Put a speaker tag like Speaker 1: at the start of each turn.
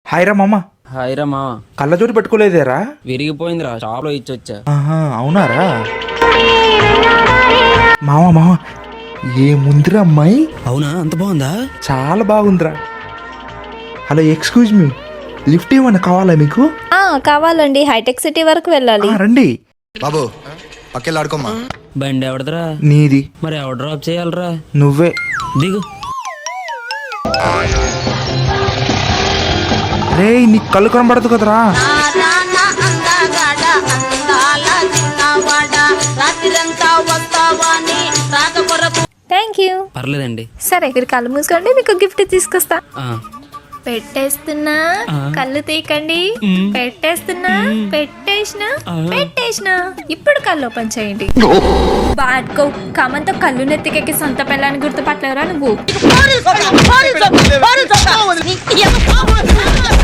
Speaker 1: Hi రా మామ.
Speaker 2: Hi రా మామ.
Speaker 1: కళ్ళజోడు పెట్టుకోలేదేరా?
Speaker 2: విరిగిపోయిందిరా, షాప్ లో ఇచ్చొచ్చా.
Speaker 1: ఆహా, అవునారా మామ? మామ ఏముందిరా అమ్మాయి?
Speaker 2: అవునా, అంత బాగుందా?
Speaker 1: చాలా బాగుందిరా. హలో, ఎక్స్క్యూజ్ మీ, లిఫ్ట్ ఏమన్నా కావాలా మీకు?
Speaker 3: కావాలండి, హైటెక్ సిటీ వరకు వెళ్ళాలి.
Speaker 1: రండి
Speaker 4: బాబు పక్కెళ్ళి ఆడుకోమ్మా.
Speaker 2: బండి ఎవడదరా?
Speaker 1: నీది.
Speaker 2: మరి ఎవడు డ్రాప్ చేయాలరా?
Speaker 1: నువ్వే
Speaker 2: దిగు.
Speaker 1: రే, నీకు కళ్ళు కనబడదు కదరా?
Speaker 3: Thank you.
Speaker 2: పర్లేదండి.
Speaker 3: సరే, మీరు కళ్ళు మూసుకోండి, మీకు గిఫ్ట్ తీసుకొస్తా.
Speaker 2: ఆ,
Speaker 3: పెట్టేస్తున్నా, కళ్ళు తీకండి. పెట్టేస్తున్నా, పెట్టేసిన. ఇప్పుడు కళ్ళు ఓపెన్ చేయండి. బాడ్కో కామంతో కళ్ళు నెత్తికెక్కి సొంత పిల్లని గుర్తుపట్టలేవరా నువ్వు?